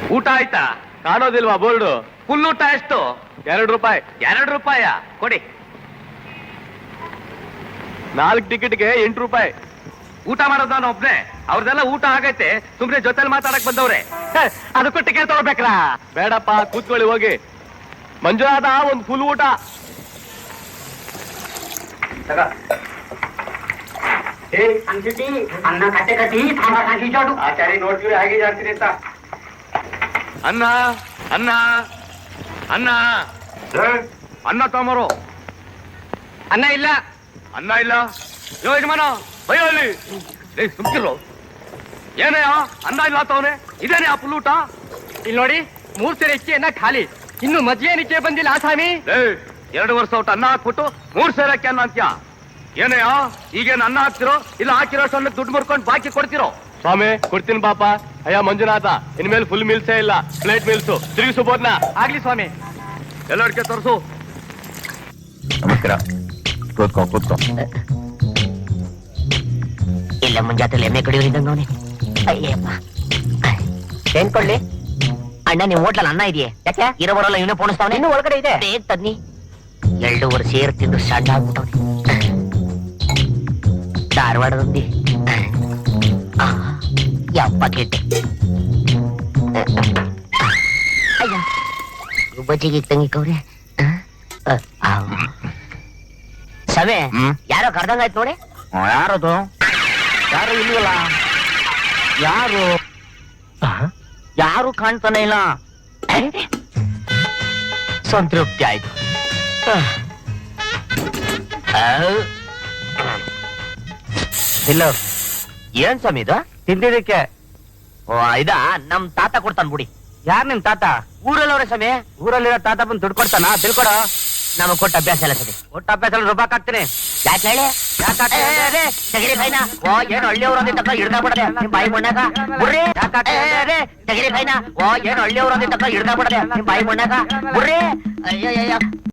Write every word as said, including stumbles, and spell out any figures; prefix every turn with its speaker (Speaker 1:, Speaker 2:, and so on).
Speaker 1: ಊಟ ಆಯ್ತಾ?
Speaker 2: ಕಾಣೋದಿಲ್ವಾ board?
Speaker 1: Full ಊಟ ಎಷ್ಟು?
Speaker 2: ಎರಡು ರೂಪಾಯಿ.
Speaker 1: ಎರಡು ರೂಪಾಯ ಕೊಡಿ.
Speaker 2: ನಾಲ್ಕು ಟಿಕೆಟ್ಗೆ ಎಂಟು ರೂಪಾಯಿ.
Speaker 1: ಊಟ ಮಾಡೋದು ನಾನು ಒಬ್ನೇ, ಅವ್ರದೆಲ್ಲ ಊಟ ಆಗೈತೆ, ಸುಮ್ನೆ ಜೊತೆಲಿ ಮಾತಾಡಕ್ ಬಂದವ್ರೆ. ಅದಕ್ಕೂ ಟಿಕೆಟ್ ತಗೋಬೇಕ್ರಾ?
Speaker 2: ಬೇಡಪ್ಪ, ಕೂತ್ಕೊಳ್ಳಿ ಹೋಗಿ. ಮಂಜುನಾಥ, ಒಂದು ಫುಲ್ ಊಟ.
Speaker 3: ಅನ್ನ ಕಟ್ಟೆ ಕಟ್ಟಿ ಸಾಂಬಾರ್ ಹಾಕಿ ಜೋಡು
Speaker 1: ಆಚಾರಿ ನೋಡ್ತೀವಿ ಹಾಗೆ ಜಾಸ್ತಿ ಅಂತ. ಅನ್ನ ಅನ್ನ ಅನ್ನ ಅನ್ನ ತಗೊಂಬರು.
Speaker 3: ಅನ್ನ ಇಲ್ಲ.
Speaker 1: ಅನ್ನ ಇಲ್ಲ? ಯೋ ಯಜಮಾನ ಬಯ್ಯೋ ಅಲ್ಲಿ. ಸುಮ್ಕಿರು. ಏನಯ್ಯ ಅನ್ನ ಇಲ್ಲ ತವನೆ? ಇದೇನೆ ಆ ಪುಲ್ ಊಟ?
Speaker 3: ಇಲ್ಲಿ ನೋಡಿ, ಮೂರ್ ಸೇರೆ ಇಕ್ಕಿ ಅನ್ನ ಖಾಲಿ, ಇನ್ನು ಮಜ್ಜಿಗೆ ನಿಚ್ಚೆ ಬಂದಿಲ್ಲ ಆಸಾಮಿ.
Speaker 1: ಎರಡು ವರ್ಷ ಊಟ ಅನ್ನ ಹಾಕ್ಬಿಟ್ಟು ಮೂರ್ ಸೇರಕ್ಕೆ ಅನ್ನ ಅಂತ್ಯ. ಏನಯ್ಯ ಈಗೇನು ಅನ್ನ ಹಾಕ್ತಿರೋ ಇಲ್ಲ ಹಾಕಿರೋ ಸಣ್ಣ ದುಡ್ಡು ಮುರ್ಕೊಂಡು ಬಾಕಿ ಕೊಡ್ತಿರೋ?
Speaker 2: ಸ್ವಾಮಿ ಕೊಡ್ತೀನಿ ಪಾಪ. ಅಯ್ಯ ಮಂಜುನಾಥ, ಇನ್ಮೇಲೆ ಫುಲ್ ಮೀಲ್ಸೇ ಇಲ್ಲ, ಪ್ಲೇಟ್ ಮೀಲ್ಸು. ತಿರುಗಿಸು ಬೋದ್ನ.
Speaker 3: ಆಗ್ಲಿ ಸ್ವಾಮಿ.
Speaker 1: ಎಲ್ಲರಿಗೆ ತೋರಿಸು.
Speaker 4: ನಮಸ್ಕಾರ. ಕೂತ್ಕೋ ಕೂತ್ಕೋ.
Speaker 5: ಇಲ್ಲ ಮುಂಜಾತಲ್ಲಿ ಎಮ್ಮೆ ಕಡಿಯೋರಿದ್ದಂಗ ಅವನೇ. ಅಯ್ಯಪ್ಪ, ಏನ್ ಕೊಡ್ಲಿ ಅಣ್ಣ? ನಿಮ್ ಹೋಟ್ಲಲ್ಲಿ ಅನ್ನ ಇದೆಯೇ? ಯಾಕೆ ಇರೋ ಬರೋಲ್ಲ ಇವನೇ ಪೋಣಿಸ್ತಾವನೆ. ಇನ್ನು ಒಳಗಡೆ ಇದೆ, ಬೇಗ ತನ್ನಿ. ಎರಡೂವರೆ ಸೇರ್ ತಿಂದು ಸಣ್ಣ ಆಗ್ಬಿಟ್ಟವನೆ. ಧಾರವಾಡದಲ್ಲಿ ಯಪ್ಪ ಕೆಟ್ಟೆ. ಅಯ್ಯ, ಗುಬ್ಬಚ್ಚಿಗೆ ತಂಗಿಕವ್ರೆ. ಸವೆ ಯಾರೋ ಕರ್ದಂಗಾಯ್ತು ನೋಡಿ.
Speaker 4: ಯಾರದು? ಯಾರು ಇಲ್ವಲ್ಲ? ಯಾರು
Speaker 5: ಯಾರು ಕಾಣ್ತಾನೆ ಇಲ್ಲ. ಸಂತೃಪ್ತಿ ಆಯ್ತು. ಇಲ್ಲ ಏನ್ ಸ್ವಾಮಿ ಇದು?
Speaker 4: ತಿಂದಿದ್ದಕ್ಕೆ.
Speaker 5: ಓ ಇದ ನಮ್ ತಾತ ಕೊಡ್ತಾನ ಬಿಡಿ.
Speaker 4: ಯಾರ್ ನಿಮ್ ತಾತ?
Speaker 5: ಊರಲ್ಲವ್ರೆ ಸ್ವಾಮಿ.
Speaker 4: ಊರಲ್ಲಿರೋ ತಾತ ಬಂದು ದುಡ್ಡು ಕೊಡ್ತಾನ? ತಿಳ್ಕೊಡ.
Speaker 5: ನಮಗ್ ಕೊಟ್ಟ ಅಭ್ಯಾಸ ಇಲ್ಲ ಸರಿ.
Speaker 4: ಒಟ್ಟ ಅಭ್ಯಾಸ ರೂಪಾಯಿ ಹಾಕ್ತೀನಿ.
Speaker 5: ಯಾಕೆ ಹೇಳಿ? ತೆಗಿರಿ ಫೈನ. ಓ ಏನು ಹಳ್ಳಿಯವ್ರು ಅಂದಿದ್ದ ಹಿಡ್ದ ಬಿಡದೆ ನಿಮ್ ಬಾಯಿ ಮಣ್ಣಾಗ. ಬುರ್ರಿ ತೆಗಿರಿ ಫೈನ. ಓ ಏನು ಹಳ್ಳಿಯವ್ರು ಅಂದಿದ್ದ ಹಿಡ್ದ ಬಿಡದೆ ನಿಮ್ ಬಾಯಿ ಮಣ್ಣಾಗ. ಬುರ್ರಿ ಅಯ್ಯಯ್ಯ.